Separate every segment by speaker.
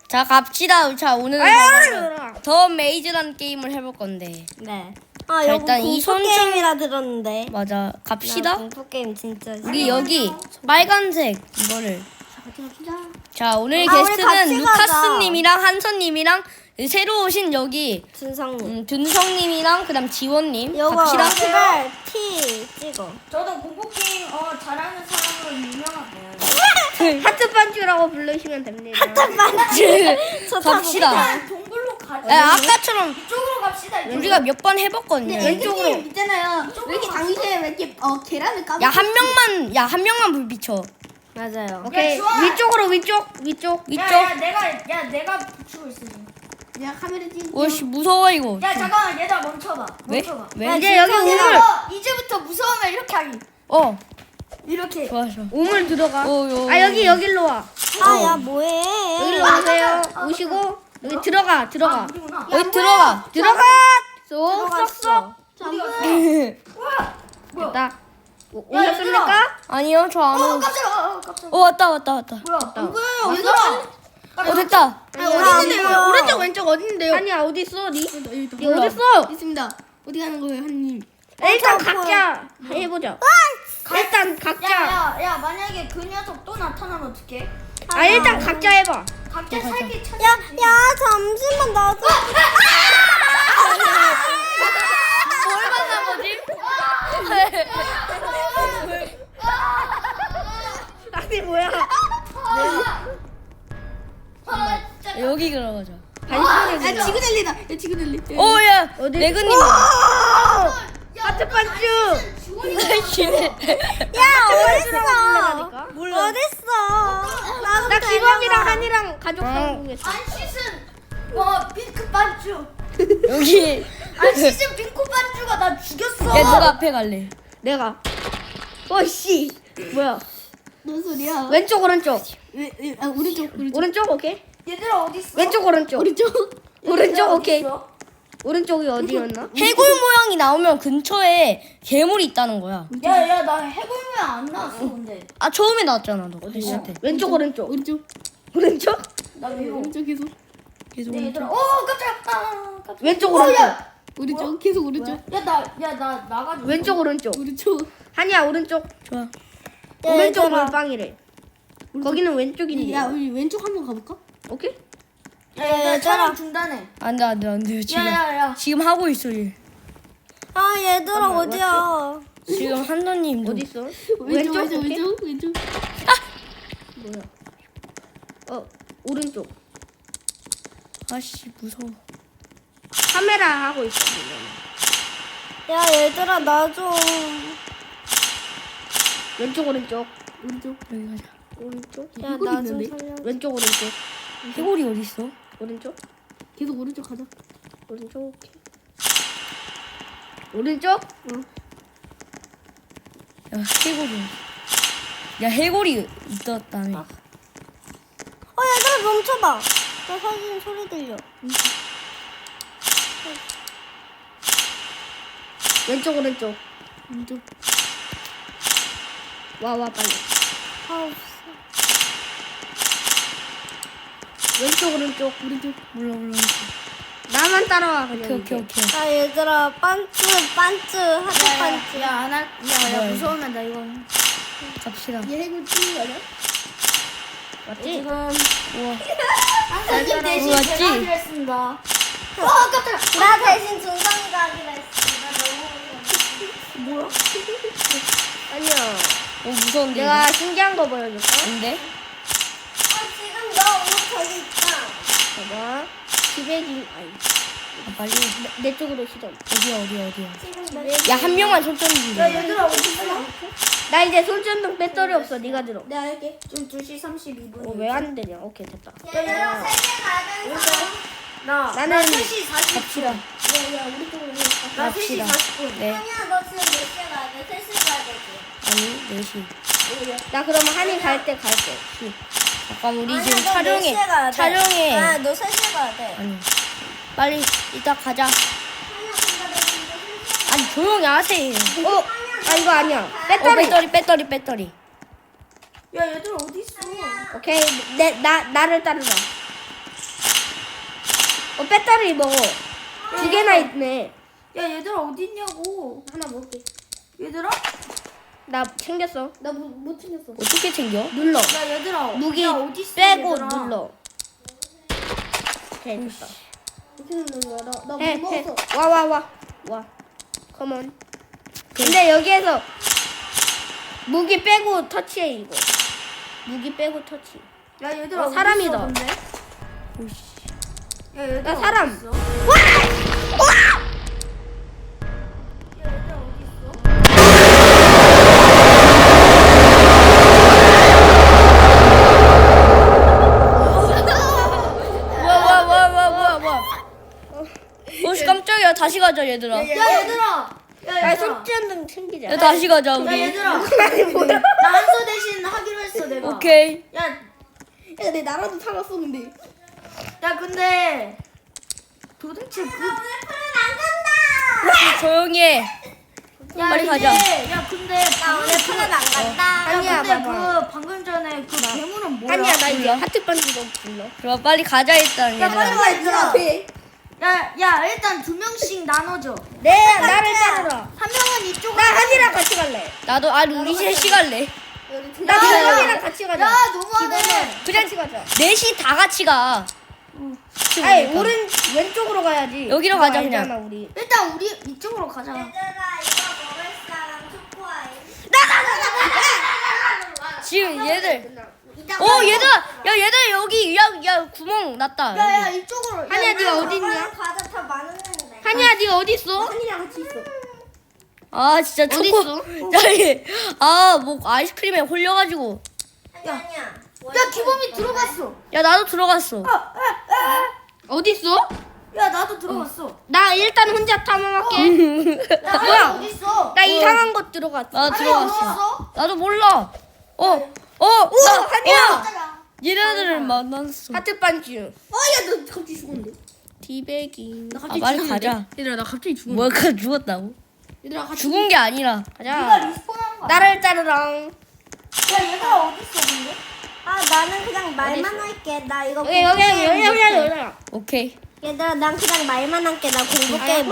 Speaker 1: 자 갑시다. 자 오늘은 더 메이즈라는 게임을 해볼 건데.
Speaker 2: 네.
Speaker 1: 자,
Speaker 2: 여기
Speaker 1: 일단 이
Speaker 2: 공포
Speaker 1: 손좀-
Speaker 2: 게임이라 들었는데.
Speaker 1: 맞아.
Speaker 2: 나
Speaker 1: 갑시다.
Speaker 2: 공포 게임 진짜.
Speaker 1: 우리 여기 빨간색 이거를. 자 오늘
Speaker 2: 우리 같이
Speaker 1: 게스트는
Speaker 2: 가자.
Speaker 1: 루카스님이랑 한선님이랑 새로 오신 여기
Speaker 2: 준성님.
Speaker 1: 든성님이랑 그다음 지원님
Speaker 2: 요거
Speaker 1: 갑시다.
Speaker 2: 시발 T 찍어.
Speaker 3: 저도 공포 게임 잘하는 사람으로 유명하고요.
Speaker 4: 하트 반주라고 부르시면 됩니다.
Speaker 1: 갑시다.
Speaker 3: 동굴로 가자.
Speaker 1: 야, 아까처럼
Speaker 3: 이쪽으로 갑시다. 이쪽으로.
Speaker 1: 우리가 몇 번 해봤거든요.
Speaker 4: 왼쪽으로 있잖아요. 왜 이렇게 당시에 왜 이렇게 계란을 까먹?
Speaker 1: 야 한 명만 불 비춰.
Speaker 2: 맞아요.
Speaker 4: 오케이
Speaker 3: 좋아.
Speaker 4: 위쪽으로 위쪽.
Speaker 1: 이쪽.
Speaker 3: 내가 붙이고 있어 지금.
Speaker 4: 야 카메라 찍.
Speaker 1: 오씨 무서워 이거.
Speaker 3: 야 잠깐만 얘들아 멈춰봐.
Speaker 1: 왜?
Speaker 3: 멈춰봐.
Speaker 1: 왜?
Speaker 4: 이제 여기 우물.
Speaker 3: 이제부터 무서우면 이렇게 하기. 이렇게.
Speaker 1: 좋아 좋아.
Speaker 4: 우물 들어가.
Speaker 1: 요.
Speaker 4: 아 여기로 와.
Speaker 2: 아야 뭐해?
Speaker 4: 여기로 오세요. 오시고 여기 들어가.
Speaker 3: 우리구나.
Speaker 1: 여기 들어가.
Speaker 4: 쏙쏙쏙.
Speaker 3: 뭐야?
Speaker 4: 됐다. 오셨습니까?
Speaker 1: 아니요 저 안 오고.
Speaker 3: 깜짝이야.
Speaker 1: 왔다.
Speaker 3: 뭐야?
Speaker 4: 안
Speaker 3: 보여요. 얘들아.
Speaker 1: 됐다.
Speaker 2: 어딨는데요?
Speaker 4: 오른쪽 왼쪽 어딘데요? 아니야 어디 있어? 니
Speaker 1: 몰라.
Speaker 4: 어디 있어?
Speaker 5: 있습니다. 어디 가는 거예요, 한님?
Speaker 4: 일단
Speaker 2: 어,
Speaker 4: 각자 해보자. 일단 각자.
Speaker 3: 야 만약에 그 녀석 또 나타나면 어떡해?
Speaker 4: 일단 각자 해봐.
Speaker 3: 각자 살기 찾아.
Speaker 2: 야 잠시만 나도.
Speaker 1: 뭘 만나 보지?
Speaker 4: 아니 뭐야?
Speaker 1: 여기 들어가자.
Speaker 4: 반신이
Speaker 5: 지그넬리다. 야, 지그넬리.
Speaker 1: 오야 레그님.
Speaker 4: 하트 반주.
Speaker 2: 야 어딨어?
Speaker 4: 몰라.
Speaker 2: 어딨어? 나도
Speaker 4: 나 기범이랑
Speaker 2: 데려가.
Speaker 4: 한이랑 가족 상봉했어.
Speaker 3: 안 씻은 핑크 반주.
Speaker 1: 여기.
Speaker 3: 안 씻은 핑크 반주가 나 죽였어.
Speaker 1: 야 누가 앞에 갈래?
Speaker 4: 내가. 어씨. 뭐야?
Speaker 5: 뭔 소리야?
Speaker 4: 왼쪽 오른쪽.
Speaker 5: 오른쪽.
Speaker 4: 오른쪽 오케이.
Speaker 3: 얘들아 어디 있어?
Speaker 4: 왼쪽 오른쪽.
Speaker 5: 오른쪽.
Speaker 4: 오른쪽 오케이.
Speaker 3: 있어?
Speaker 4: 오른쪽이 어디였나?
Speaker 1: 해골 모양이 나오면 근처에 괴물이 있다는 거야.
Speaker 3: 야야 나 해골면 안 나왔어 근데.
Speaker 1: 아 처음에 나왔잖아 너. 했을 때.
Speaker 4: 왼쪽 오른쪽.
Speaker 5: 오른쪽.
Speaker 4: 오른쪽?
Speaker 3: 나 위로.
Speaker 5: 오른쪽 계속.
Speaker 1: 계속
Speaker 3: 네, 얘들아. 깜짝이야.
Speaker 4: 왼쪽 오른쪽.
Speaker 5: 오른쪽. 계속 오른쪽.
Speaker 3: 야나 나가지고.
Speaker 4: 왼쪽 오른쪽.
Speaker 5: 오른쪽.
Speaker 4: 한이야 오른쪽.
Speaker 1: 좋아.
Speaker 4: 오른쪽
Speaker 2: 얘들아.
Speaker 4: 물방이래. 거기는 왼쪽인데.
Speaker 5: 야, 우리 왼쪽 한번 가볼까?
Speaker 4: 오케이?
Speaker 3: 야 촬영 중단해.
Speaker 1: 안돼 지금
Speaker 3: 야야야.
Speaker 1: 지금 하고 있어 얘.
Speaker 2: 아 얘들아 어디야?
Speaker 1: 지금 한도님도.
Speaker 4: 어디 있어?
Speaker 5: 왼쪽, 왼쪽,
Speaker 4: 오케이?
Speaker 5: 왼쪽.
Speaker 4: 오른쪽.
Speaker 1: 아씨 무서워.
Speaker 4: 카메라 하고 있어.
Speaker 2: 야 얘들아 나 좀.
Speaker 4: 왼쪽 오른쪽.
Speaker 5: 오른쪽.
Speaker 1: 여기 가자.
Speaker 4: 오른쪽.
Speaker 2: 야
Speaker 5: 해골이
Speaker 2: 나 좀
Speaker 5: 있는데?
Speaker 2: 살려.
Speaker 4: 왼쪽 오른쪽.
Speaker 1: 해골이 어디 있어?
Speaker 4: 오른쪽.
Speaker 5: 계속 오른쪽 가자.
Speaker 4: 오른쪽 오케이. 오른쪽?
Speaker 1: 야 해골이. 야 해골이 있었다며.
Speaker 2: 얘들아 멈춰봐. 나 사진 소리 들려.
Speaker 4: 왼쪽 오른쪽.
Speaker 5: 오른쪽.
Speaker 4: 와 빨리.
Speaker 2: 아 없어.
Speaker 4: 왼쪽 오른쪽.
Speaker 5: 오른쪽.
Speaker 1: 몰라.
Speaker 4: 나만 따라와 그냥.
Speaker 1: 오케이.
Speaker 2: 야 얘들아 반츠 하트 반츠.
Speaker 3: 야야
Speaker 1: 뭐야,
Speaker 3: 무서우면 나 이거.
Speaker 1: 갑시다.
Speaker 5: 얘 해골 치는 거냐?
Speaker 4: 맞지?
Speaker 3: 지금
Speaker 1: 우와.
Speaker 3: 한사님 대신
Speaker 1: 맞지?
Speaker 3: 제가 하기로 했습니다. 깜짝이야.
Speaker 2: 나 대신 준성이가 하기로 했어. 나 너무 무서워.
Speaker 4: 아니야.
Speaker 1: 무서운데.
Speaker 4: 내가 신기한 거 보여줄까?
Speaker 1: 근데
Speaker 2: 지금 너 옷 저기 있다.
Speaker 4: 봐봐. 기백이 아니
Speaker 1: 아, 빨리
Speaker 4: 내 쪽으로 시점.
Speaker 1: 어디야.
Speaker 2: 지금 너.
Speaker 1: 야 한 명만 천천히 좀.
Speaker 3: 야 얘들아 어디 있어?
Speaker 4: 나 이제 손전등 배터리 없어. 네가 들어.
Speaker 5: 내가 할게.
Speaker 3: 지금 2시 32분.
Speaker 4: 왜 안 되냐? 오케이 됐다.
Speaker 2: 얘들아 세계 가는 사람.
Speaker 4: 나는
Speaker 3: 3시 40분.
Speaker 1: 갑시다.
Speaker 5: 야, 우리 쪽으로 해.
Speaker 3: 나 3시
Speaker 1: 갑시다.
Speaker 3: 40분.
Speaker 1: 네.
Speaker 2: 아니야 너 지금 몇 시에 가야 돼? 3시에 가야 되지.
Speaker 1: 아니 4시.
Speaker 4: 나 그러면 한이 갈 때 갈게.
Speaker 1: 잠깐 우리
Speaker 2: 아니야,
Speaker 1: 지금
Speaker 2: 너 4시에 가야 돼.
Speaker 1: 촬영해.
Speaker 2: 아너 3시에 가야 돼.
Speaker 1: 아니 빨리 이따 가자.
Speaker 2: 아니야 근데 너 진짜 3시에
Speaker 1: 아니 조용히 하세요.
Speaker 4: 이거 아니야.
Speaker 1: 배터리.
Speaker 3: 야 얘들아 어디 있어?
Speaker 4: 오케이. 나를 따르라.
Speaker 1: 배터리 먹어. 두 개나 있네.
Speaker 3: 야 얘들아 어디 있냐고.
Speaker 5: 하나 먹을게.
Speaker 3: 얘들아?
Speaker 1: 나 챙겼어.
Speaker 5: 나 못 챙겼어.
Speaker 1: 어떻게 챙겨?
Speaker 5: 눌러.
Speaker 3: 야 얘들아.
Speaker 1: 무기
Speaker 3: 야, 어디 있어,
Speaker 1: 빼고
Speaker 3: 얘들아?
Speaker 1: 눌러. 오케이 됐다.
Speaker 5: 어떻게 누르는 거야? 나못
Speaker 1: 해.
Speaker 5: 먹었어.
Speaker 1: 와. 컴온. 근데 여기에서 무기 빼고 터치해 이거. 무기 빼고 터치.
Speaker 3: 야 얘들아 어디
Speaker 1: 사람이다.
Speaker 3: 있어, 근데? 야 얘들아
Speaker 1: 나 사람.
Speaker 3: 어디 있어? 야 얘들아 어디 있어?
Speaker 1: 뭐야. 오씨 깜짝이야. 다시 가자 얘들아.
Speaker 3: 야 얘들아. 야
Speaker 1: 야
Speaker 3: 얘들아.
Speaker 1: 손전등 챙기자. 야 다시 가자
Speaker 3: 야
Speaker 1: 우리.
Speaker 3: 얘들아. 나 한서 대신 하기로 했어 내가.
Speaker 1: 오케이.
Speaker 5: 야, 내 나라도 살았어 근데.
Speaker 3: 야 근데 도대체 그.
Speaker 1: 조용히 해.
Speaker 3: 야
Speaker 1: 빨리
Speaker 3: 이제-
Speaker 1: 가자.
Speaker 3: 야 근데 오늘 푸는 안 간다. 야
Speaker 1: 아니야,
Speaker 3: 근데
Speaker 1: 봐봐.
Speaker 3: 그 방금 전에 그 괴물은 뭐야?
Speaker 1: 아니야 나 이제 하트 반지도 불러. 그럼 빨리 가자 일단
Speaker 3: 야 빨리
Speaker 1: 얘들아.
Speaker 3: 와 얘들아.
Speaker 5: 앞에.
Speaker 3: 야 일단 2명씩 나눠줘.
Speaker 1: 네 나를 따르라.
Speaker 3: 한 명은 이쪽으로.
Speaker 1: 나 한이랑 같이 갈래. 나도 우리 셋이 갈래. 나
Speaker 3: 야,
Speaker 1: 형이랑 같이 가자.
Speaker 3: 야 너무하네.
Speaker 1: 그냥 같이 가자. 넷이 다 같이 가. 아니 오른 왼쪽으로 가야지. 여기로 가자 그냥. 우리.
Speaker 3: 일단 우리 이쪽으로 가자.
Speaker 2: 얘들아 이거 먹을 사람 초코아이.
Speaker 1: 지금 얘들.
Speaker 2: 이따
Speaker 1: 얘들아. 야 얘들 여기 야 구멍 났다.
Speaker 3: 야야 이쪽으로.
Speaker 1: 한이야,
Speaker 3: 야,
Speaker 1: 네가
Speaker 3: 야,
Speaker 1: 어디 있냐?
Speaker 2: 과자 다 많은데.
Speaker 1: 한이야 네가 어디 있어?
Speaker 5: 한이랑 같이 있어.
Speaker 1: 아 진짜
Speaker 5: 어디
Speaker 1: 초코. 저기 아뭐 아이스크림에 홀려가지고.
Speaker 2: 아니야.
Speaker 3: 야 기범이 들어갔어.
Speaker 1: 야 나도 들어갔어. 어디 있어?
Speaker 3: 야 나도 들어갔어.
Speaker 1: 나 일단 혼자 탐험할게.
Speaker 3: 야 뭐야? 어디 있어?
Speaker 1: 나 이상한 곳 들어갔어. 나
Speaker 3: 어디
Speaker 1: 들어갔어.
Speaker 3: 있어?
Speaker 1: 나도 몰라. 우와, 한이야. 얘네들을 만났어. 하트 반지.
Speaker 5: 야, 너 갑자기 죽었는데.
Speaker 1: 티베깅.
Speaker 5: 나 갑자기
Speaker 1: 빨리
Speaker 5: 죽었는데?
Speaker 1: 가자.
Speaker 5: 얘들아, 나 갑자기 죽었는데.
Speaker 1: 뭐야, 그 죽었다고?
Speaker 5: 얘들아, 같이.
Speaker 1: 죽은 게 아니라.
Speaker 3: 네가
Speaker 1: 가자.
Speaker 3: 리스폰한 거야.
Speaker 1: 나를 따르랑.
Speaker 3: 야 얘들아 어디 있어 근데?
Speaker 2: 아 나는 그냥 말만 할게. 나 이거
Speaker 1: 여기. 오케이.
Speaker 2: 얘들아 난 그냥 말만 할게. 나 공부 게임.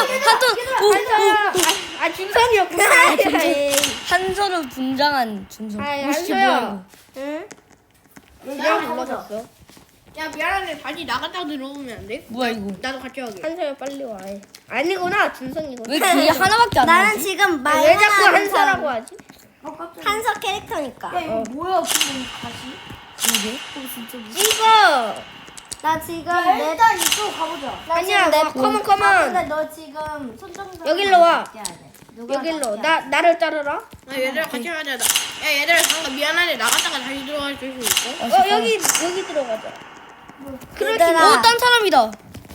Speaker 1: 아 준성이었구나. 한서를 분장한 준성. 한서야.
Speaker 2: 응?
Speaker 3: 얘들아 가보자.
Speaker 5: 야, 미안한데 다시 나갔다 들어오면 안 돼?
Speaker 1: 뭐야 이거?
Speaker 5: 나도 같이 하게.
Speaker 1: 한서야 빨리 와. 아니구나 준성이구나. 왜 뒤에 하나밖에 안
Speaker 2: 나는
Speaker 1: 나지?
Speaker 2: 지금 말만
Speaker 1: 왜 자꾸
Speaker 2: 하는
Speaker 1: 한서라고
Speaker 2: 사람.
Speaker 1: 하지?
Speaker 3: 깜짝이야.
Speaker 2: 한서 캐릭터니까.
Speaker 3: 야 이거 뭐야 지금 다시?
Speaker 1: 이게? 찍어.
Speaker 2: 나 지금
Speaker 3: 야
Speaker 2: 내
Speaker 3: 일단 이쪽 가보자.
Speaker 1: 아니야, 컴온.
Speaker 2: 근데 너 지금 손정도
Speaker 1: 여길로 와.
Speaker 2: 누가
Speaker 1: 여길로.
Speaker 2: 낚여야
Speaker 1: 나를 따르라.
Speaker 5: 야, 얘들아, 같이 하자. 야, 얘들아, 잠깐 미안한데 나갔다가 다시 들어갈 수 있어?
Speaker 1: 여기 들어가자.
Speaker 2: 얘들아.
Speaker 1: 딴 사람이다.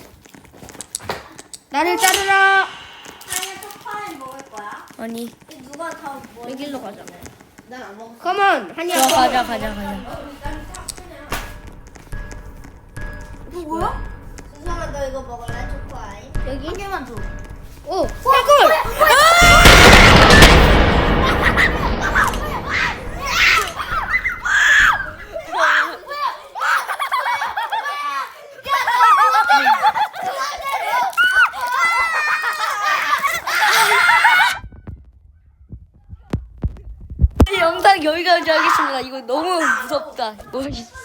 Speaker 1: 나를 따르라.
Speaker 2: 아니 초코아이 먹을 거야?
Speaker 1: 아니.
Speaker 2: 누가 더 뭐?
Speaker 1: 여기로 가자.
Speaker 5: 난 안 먹었어.
Speaker 1: 컴온. 한이야. 가자.
Speaker 3: 이거 뭐야?
Speaker 2: 준성아 너 이거 먹을래 초코아이?
Speaker 1: 여기.
Speaker 3: 한 개만 줘.
Speaker 1: 오. 해골. 이 영상 여기까지 하겠습니다. 이거 너무 무섭다. 이거